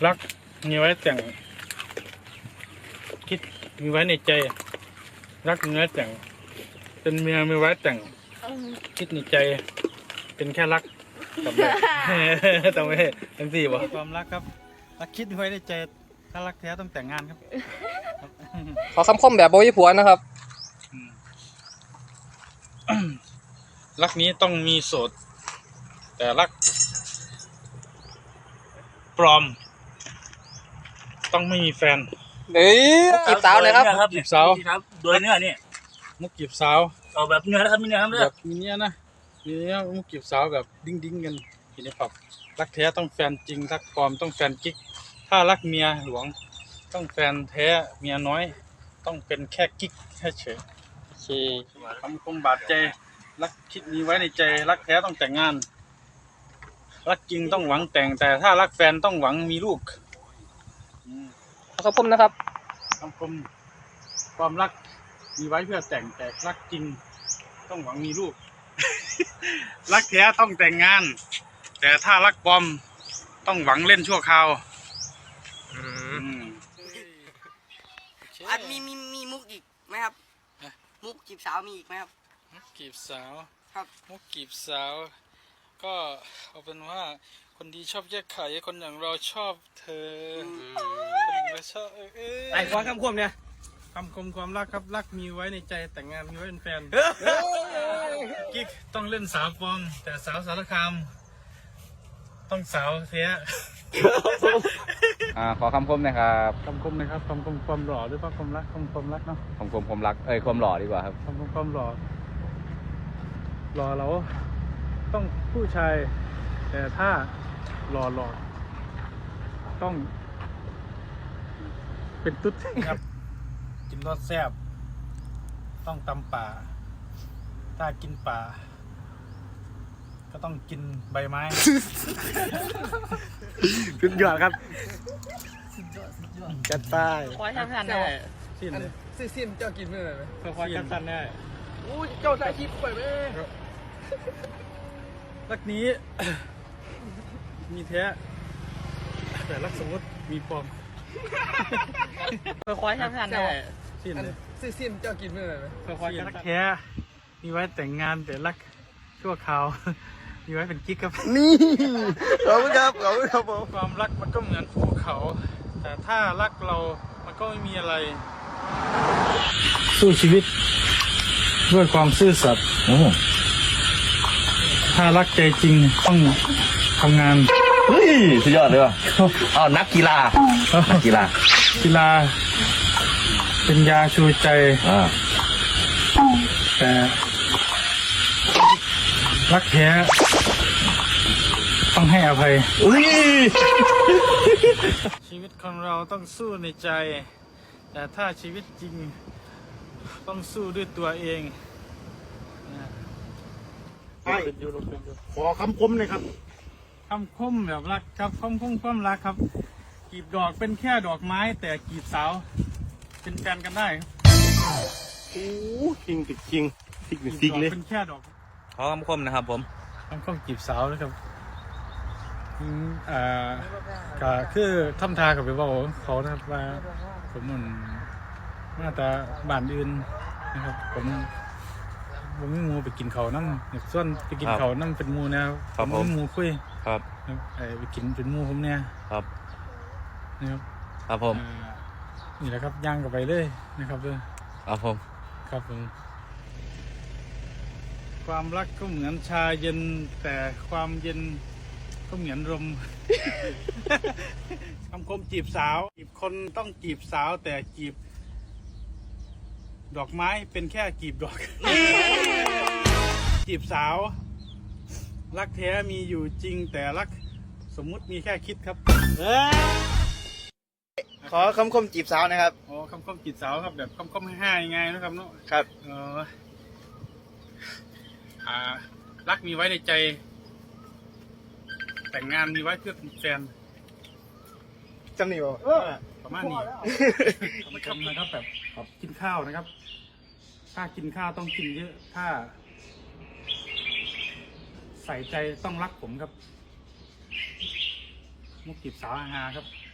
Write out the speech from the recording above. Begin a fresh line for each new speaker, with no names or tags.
รักมีไว้แต่งคิดมีไว้ในใจรักมีไว้แต่งเป็นเมียมีไว้แต่งคิดในใจเป็นแค่รักกับแบบต้องไม่ทั้งสี่บ่ความรักครับรักคิดไว้ในใจถ้ารักแท้ต้องแต่งงานครับ
ขอคำคมแบบโบยผัวนะครับ
รักนี้ต้องมีโสดแต่รักปลอมต้องไม่มีแฟน
จีบสาวเลยครับ
จีบสาว
โดยเนื้อนี่
มุกจีบสาว
เอาแบบเนื้อนะครับมีเนื้อครับ
แบ
เนื้อบ
มีเนี้ยนะมีเนี้ยมุกจีบสาวแบบดิ้งกันทีนี้ปรับรักแท้ต้องแฟนจริงรักปลอมต้องแฟนกิ๊กถ้ารักเมียหลวงต้องแฟนแท้เมียน้อยต้องเป็นแค่กิ๊กแค่เฉยคำคมบาดใจรักคิดมีไว้ในใจรักแท้ต้องแต่งงานรักจริงต้องหวังแต่งแต่ถ้ารักแฟนต้องหวังมีลูก
ขอคำคมนะครับ
คำคมความรักมีไว้เพื่อแต่งแต่รักจริงต้องหวังมีลูก รักแท้ต้องแต่งงาน แต่ถ้ารักปลอมต้องหวังเล่นชั่วคราว
อันมีมุกอีกไหมครับ มุกจีบสาวมีอีกไหมครับ
มุกจีบสาว
ครับ
มุกจีบสาว ก็เอาเป็นว่าคนดีชอบแยกไข่คนอย่างเราชอบเธอคนเราชอบ
ไอ้ขอคำคมเนี่ย
คำคมความรักครับรักมีไว้ในใจแต่งงานมีไว้เป็นแฟนกิ๊กต้องเล่นสาวปลอมแต่สาวสารคามต้องสาวแท้
ขอคำคมหนะครับ
คำคมนะครับคำคมความหล่อหรือว่าความรักความรักเนาะ
คำคมความรักความหล่อดีกว่าครับ
คำคมความหล่อเราต้องผู้ชายแต่ถ้าหล่อต้องเป็นตุ๊ดครับ กินรสแซ่บต้องตำป่าถ้ากินป่าก็ต้องกินใบไม้
สุดยอดครับจัดไป
ขอทำทันได้
สิ้นเลย
สิ้นเจ้ากินเมื่อไหร่ไหม
ค่อยๆกันสั้นได้
อู้เจ้าถ่ายคลิปไปไหม
รักนี้ มีแท้แต่รักสมมติมีปลอม
ขอทำทันได้
สิ้นเลย
สิ้นเจ้ากินเมื่อไหร่ไหม
ค่อยๆกันรักแท้มีไว้แต่งงานแต่รักชั่วคราว มีไว้เป็นกิ๊กครับ
นี่ขอบคุณครับผม
ความรักมันก็เหมือนภูเขา แต่ถ้ารักเรามันก็ไม่มีอะไร สู้ชีวิตด้วยความซื่อสัตย์ถ้ารักใจจริงต้องทำงาน
เฮ้ยสุดยอดเลยว่ะนักกีฬากีฬา
กีฬาเป็นยาชูใจแต่รักแท้ต้องให้อภัย ชีวิตของเราต้องสู้ในใจ แต่ถ้าชีวิตจริงต้องสู้ด้วยตัวเองนะ
ขอคำคมหน่อยครับ
คำคมแบบรักครับคำคมความรักครับกีบดอกเป็นแค่ดอกไม้ แต่กีบสาวเป็นแฟนกันได้ครับ
โอ้คิงติดคิงติด
กี
ติ
บ
ด
ดอก
เลย
เป็นแค่ดอก
ขอคำคมนะครับผม
คำคมกีบสาวนะครับก็คือทำทากับไปบอกเขานะครับว่าผมมันมาแต่บ้านอื่นนะครับผมไม่มูไปกินเขานั่งส่วนไปกินเขานั่งเป็นมูนะครับผมมูคุย
ครับ
ไปกินเป็นมูผมเนี่ย
ครับ
นะครับ
ครับผม
นี่แหละครับย่างกันไปเลยนะครับเลย
ครับผม
ครับผมความรักก็เหมือนชาเย็นแต่ความเย็นก็เหมือนลม คำคมจีบสาวจีบคนต้องจีบสาวแต่จีบดอกไม้เป็นแค่จีบดอก จีบสาวรักแท้มีอยู่จริงแต่รักสมมุติมีแค่คิดครับ
ขอคำคมจีบสาวนะครับ
อ๋อคำคมจีบสาวครับแบบคำคมให้ยังไงนะครับเนาะ
ครับ
รักมีไว้ในใจ แต่งงานมีไว้เพื่อเป็นแฟน
จำหนิบ่
ประมาณนี้ไม่ทำนะครับแบบกินข้าวนะครับ ถ้ากินข้าวต้องกินเยอะ ถ้า ใส่ใจต้องรักผมครับ มุกจีบสาวฮาครับ